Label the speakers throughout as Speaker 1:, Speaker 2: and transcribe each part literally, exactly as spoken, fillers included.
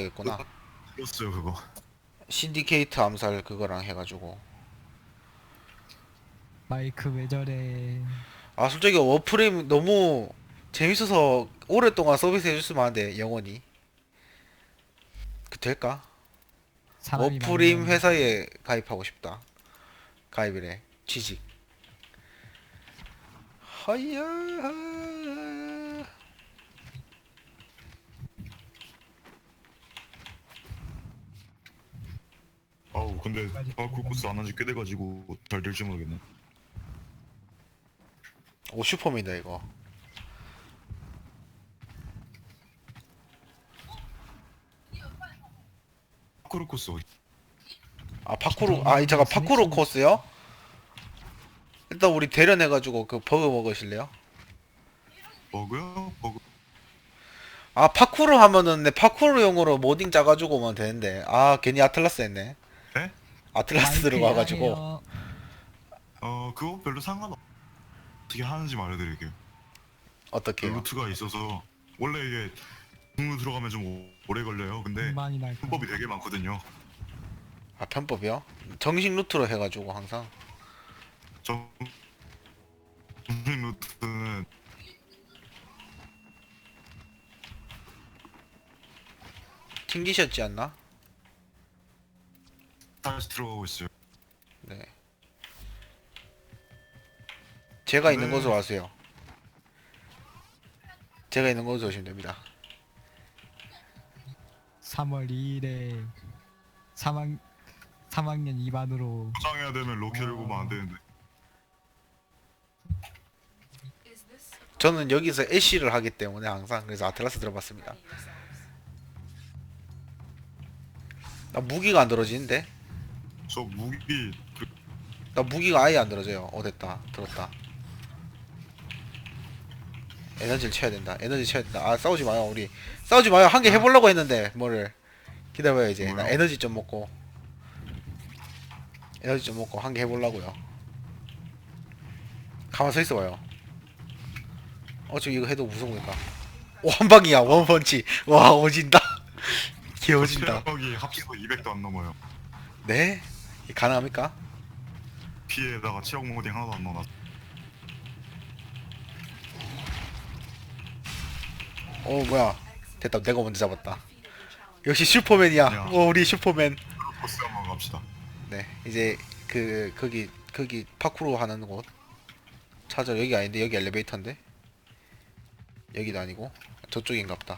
Speaker 1: 해야겠구나.
Speaker 2: 들었어요 그거.
Speaker 1: 신디케이트 암살 그거랑 해가지고.
Speaker 3: 마이크 왜 저래?
Speaker 1: 아 솔직히 워프레임 너무 재밌어서 오랫동안 서비스 해줬으면 하는데 영원히 그 될까?
Speaker 3: 사람이
Speaker 1: 워프레임
Speaker 3: 많으면
Speaker 1: 회사에 가입하고 싶다. 가입이래. 취직. 하야.
Speaker 2: 아우 근데 바쿠 코스 안 한 지 꽤 돼가지고 잘 될지 모르겠네.
Speaker 1: 오 슈퍼맨이다 이거.
Speaker 2: 파쿠르 코스 어디?
Speaker 1: 아 파쿠르 아 이 잠깐 파쿠르 코스요? 일단 우리 대련해가지고 그 버그 먹으실래요?
Speaker 2: 버그요? 버그.
Speaker 1: 아 파쿠르 하면은 내 파쿠르용으로 모딩 짜가지고 오면 되는데 아 괜히 아틀라스 했네.
Speaker 2: 네?
Speaker 1: 아틀라스
Speaker 3: 마이크
Speaker 1: 들어가가지고
Speaker 3: 야해요.
Speaker 2: 어 그거 별로 상관없. 어떻게 하는지 말해드릴게요. 그
Speaker 1: 어떻게요?
Speaker 2: 루트가 있어서 원래 이게 중로 들어가면 좀 오- 오래 걸려요. 근데
Speaker 3: 많이 날 거.
Speaker 2: 방법이 되게 많거든요.
Speaker 1: 아 편법이요? 정식 루트로 해가지고 항상
Speaker 2: 정 중심 루트는
Speaker 1: 튕기셨지 않나?
Speaker 2: 다시 들어가고 있어요.
Speaker 1: 네. 제가 있는
Speaker 2: 네.
Speaker 1: 곳으로 와세요. 제가 있는 곳으로 오시면 됩니다.
Speaker 3: 삼월 이일에 삼 학 삼 학년 이 반으로
Speaker 2: 포장해야 되면 로켓을
Speaker 3: 어.
Speaker 2: 보면 안 되는데.
Speaker 1: 저는 여기서 애쉬를 하기 때문에 항상 그래서 아틀라스 들어봤습니다. 나 무기가 안 들어지는데?
Speaker 2: 저 무기 그
Speaker 1: 나 무기가 아예 안 들어져요. 어 됐다. 들었다. 에너지를 쳐야 된다. 에너지 쳐야 된다. 아 싸우지 마요 우리. 싸우지 마요. 한 개 해보려고 했는데 뭐를. 기다려요 이제. 나
Speaker 2: 뭐요?
Speaker 1: 에너지 좀 먹고. 에너지 좀 먹고 한 개 해보려고요. 가만 서 있어봐요. 어차피 이거 해도 무서우니까. 오 한방이야 원펀치. 와 오진다. 개오진다.
Speaker 2: 체력이 합쳐서 이백도 안 넘어요.
Speaker 1: 네? 이게 가능합니까?
Speaker 2: 피에다가 체력 모딩 하나도 안 넣어놨어.
Speaker 1: 어 뭐야. 됐다. 내가 먼저 잡았다. 역시 슈퍼맨이야.
Speaker 2: 야.
Speaker 1: 오 우리 슈퍼맨.
Speaker 2: 코스 한번 갑시다.
Speaker 1: 네 이제 그 거기 거기 파쿠르 하는 곳 찾아. 여기 아닌데 여기 엘리베이터인데 여기도 아니고 저쪽인갑다.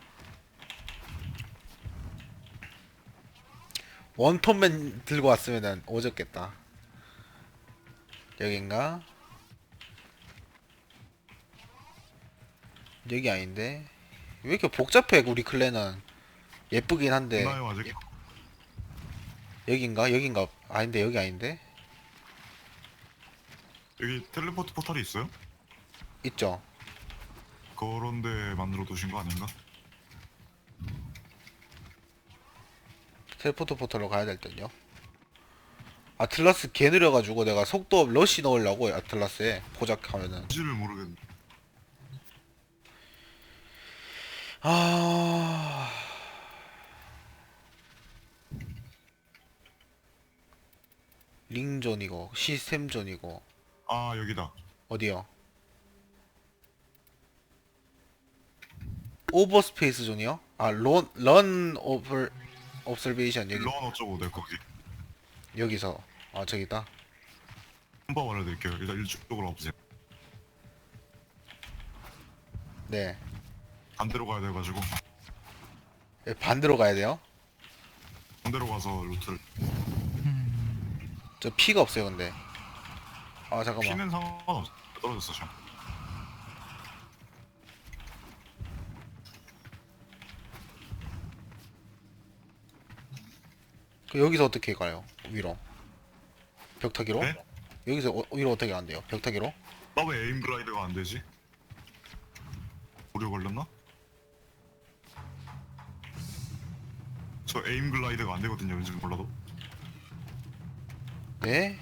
Speaker 1: 원펀맨 들고 왔으면은 오졌겠다. 여긴가? 여기 아닌데 왜 이렇게 복잡해 우리 클랜은. 예쁘긴 한데
Speaker 2: 있나요 아직?
Speaker 1: 여긴가? 여긴가? 아닌데 여기 아닌데?
Speaker 2: 여기 텔레포트 포탈이 있어요?
Speaker 1: 있죠?
Speaker 2: 그런 데 만들어 두신 거 아닌가?
Speaker 1: 텔포트 포털로 가야 될 듯요. 아틀라스 개 느려가지고 내가 속도업 러시 넣으려고 아틀라스에 포작하면은
Speaker 2: 뭔지를 모르겠네.
Speaker 1: 아 링존이고 시스템존이고
Speaker 2: 아 여기다.
Speaker 1: 어디요? 오버스페이스 존이요? 아런런 오버 옵설베이션 여기
Speaker 2: 런 어쩌고 내 거기.
Speaker 1: 여기서 아 저기다.
Speaker 2: 한번 알려드릴게요. 일단 이쪽으로 와보세요.
Speaker 1: 네.
Speaker 2: 반대로 가야 돼가지고
Speaker 1: 예, 반대로 가야 돼요?
Speaker 2: 반대로 가서 루트를.
Speaker 1: 저 피가 없어요 근데. 아 잠깐만.
Speaker 2: 피는 상관없어. 떨어졌어 지금.
Speaker 1: 그 여기서 어떻게 가요? 위로 벽타기로?
Speaker 2: 네?
Speaker 1: 여기서 어, 위로 어떻게 간대요? 벽타기로?
Speaker 2: 나 왜 에임 글라이드가 안 되지? 오류 걸렸나? 저 에임 글라이드가 안 되거든요. 왠지 몰라도.
Speaker 1: 네?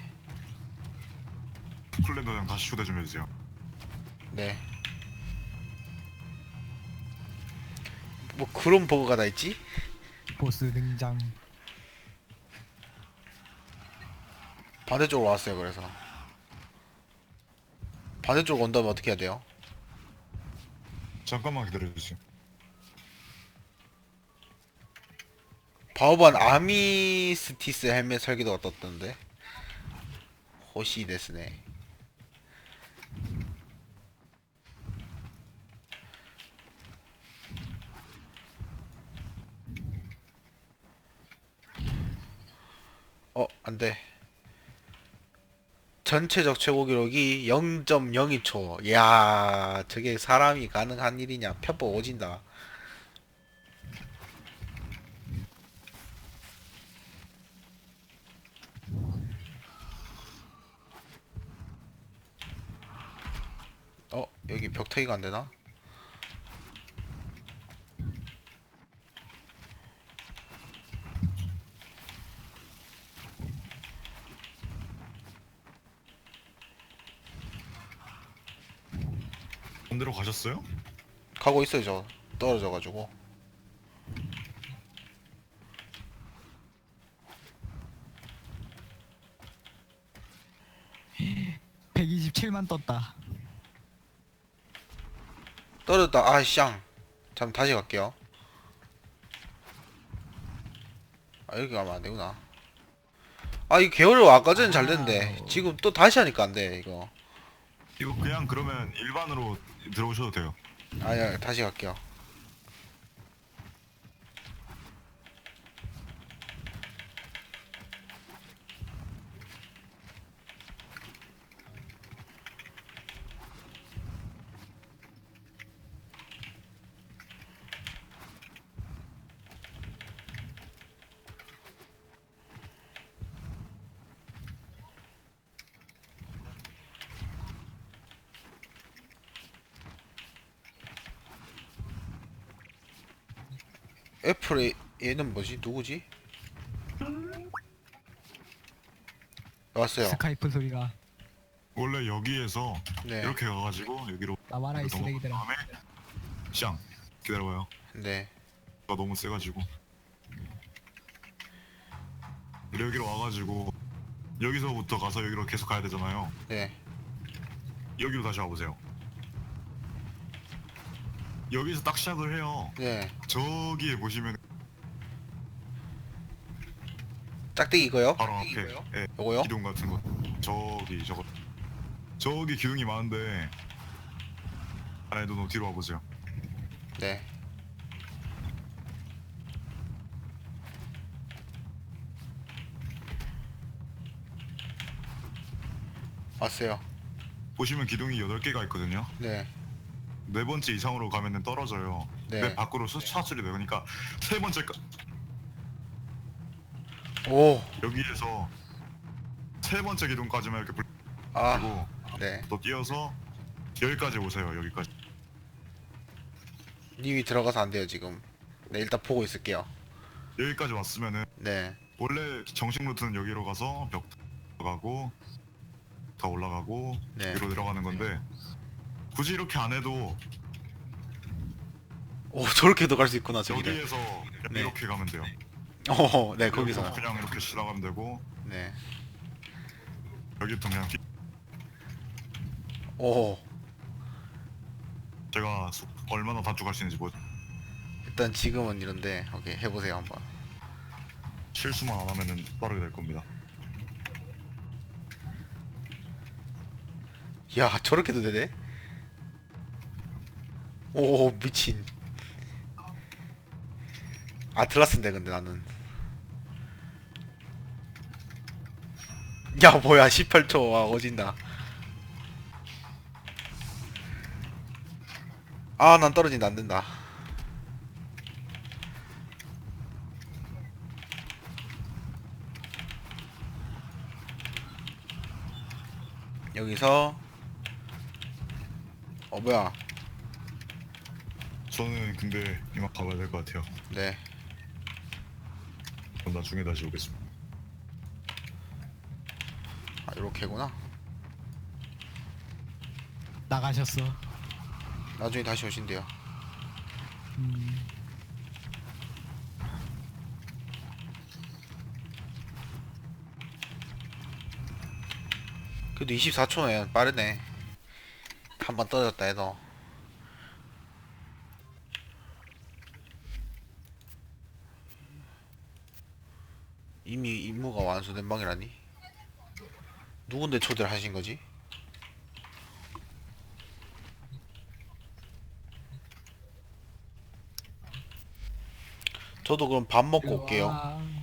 Speaker 2: 클랜더장 다시 초대 좀 해주세요.
Speaker 1: 네. 뭐 그런 버그가 다 있지?
Speaker 3: 보스 등장.
Speaker 1: 반대쪽으로 왔어요. 그래서 반대쪽으로 온다면 어떻게 해야 돼요?
Speaker 2: 잠깐만 기다려주세요.
Speaker 1: 바오반 아미스티스 헬멧 설계도가 떴던데. 호시 데스네. 어, 안돼. 전체적 최고 기록이 영 점 영이 초. 이야, 저게 사람이 가능한 일이냐? 편법 오진다. 어, 여기 벽타기가 안 되나?
Speaker 2: 반대로 가셨어요?
Speaker 1: 가고 있어요, 저. 떨어져가지고.
Speaker 3: 백이십칠만 떴다.
Speaker 1: 떨어졌다. 아, 쌍. 잠 다시 갈게요. 아, 여기 가면 안 되구나. 아, 이 개월을 아까 전에 잘 됐는데.
Speaker 3: 아우.
Speaker 1: 지금 또 다시 하니까 안 돼, 이거.
Speaker 2: 이거 그냥 그러면 일반으로 들어오셔도 돼요.
Speaker 1: 아야, 다시 갈게요. 애플의 얘는 뭐지? 누구지? 왔어요.
Speaker 3: 스카이프 소리가.
Speaker 2: 원래 여기에서
Speaker 1: 네.
Speaker 2: 이렇게 가가지고 여기로
Speaker 3: 나와라 이
Speaker 2: 넘어간
Speaker 3: 쓰레기들아.
Speaker 2: 다음에 샹 기다려봐요.
Speaker 1: 네.
Speaker 2: 가 너무 세가지고 여기로 와가지고 여기서부터 가서 여기로 계속 가야 되잖아요.
Speaker 1: 네.
Speaker 2: 여기로 다시 와보세요. 여기서 딱 시작을 해요.
Speaker 1: 네.
Speaker 2: 저기에 보시면
Speaker 1: 짝대기 이거요?
Speaker 2: 바로 앞에 예,
Speaker 1: 요거요?
Speaker 2: 기둥 같은 거 저기 저거 저기 기둥이 많은데 아니 너 뒤로 와보세요.
Speaker 1: 네. 왔어요.
Speaker 2: 보시면 기둥이 여덟 개가 있거든요.
Speaker 1: 네.
Speaker 2: 네 번째 이상으로 가면은 떨어져요.
Speaker 1: 네.
Speaker 2: 네 밖으로 수차출이 돼요. 그러니까 세 번째 가,
Speaker 1: 오.
Speaker 2: 여기에서 세 번째 기둥까지만 이렇게
Speaker 1: 아.
Speaker 2: 불고
Speaker 1: 네.
Speaker 2: 또 뛰어서 여기까지 오세요. 여기까지.
Speaker 1: 님이 들어가서 안 돼요, 지금. 네, 일단 보고 있을게요.
Speaker 2: 여기까지 왔으면은
Speaker 1: 네.
Speaker 2: 원래 정식 루트는 여기로 가서 벽 가고 더 올라가고
Speaker 1: 네.
Speaker 2: 위로 내려가는 건데 굳이 이렇게 안 해도
Speaker 1: 오, 저렇게도 갈 수 있구나, 저기를.
Speaker 2: 여기에서
Speaker 1: 네.
Speaker 2: 이렇게 가면 돼요.
Speaker 1: 어, 네, 거기서.
Speaker 2: 그냥 이렇게 지나가면 되고
Speaker 1: 네.
Speaker 2: 여기부터 그냥 끼-
Speaker 1: 오.
Speaker 2: 제가 속- 얼마나 단축할 수 있는지 뭐
Speaker 1: 일단 지금은 이런데, 오케이, 해보세요, 한번.
Speaker 2: 실수만 안 하면은 빠르게 될 겁니다.
Speaker 1: 야, 저렇게도 되네? 오, 미친. 아틀라스인데, 근데 나는. 야, 뭐야, 십팔 초. 와, 어진다. 아, 난 떨어진다, 안 된다. 여기서 어 뭐야.
Speaker 2: 저는 근데 이만 가봐야 될 것 같아요.
Speaker 1: 네.
Speaker 2: 그럼 나중에 다시 오겠습니다.
Speaker 1: 아, 요렇게구나.
Speaker 3: 나가셨어.
Speaker 1: 나중에 다시 오신대요.
Speaker 3: 음.
Speaker 1: 그래도 이십사 초면 빠르네. 한 번 떨어졌다 해도. 이미 임무가 완수된 방이라니? 누군데 초대를 하신 거지? 저도 그럼 밥 먹고
Speaker 3: 일로
Speaker 1: 올게요.
Speaker 3: 와.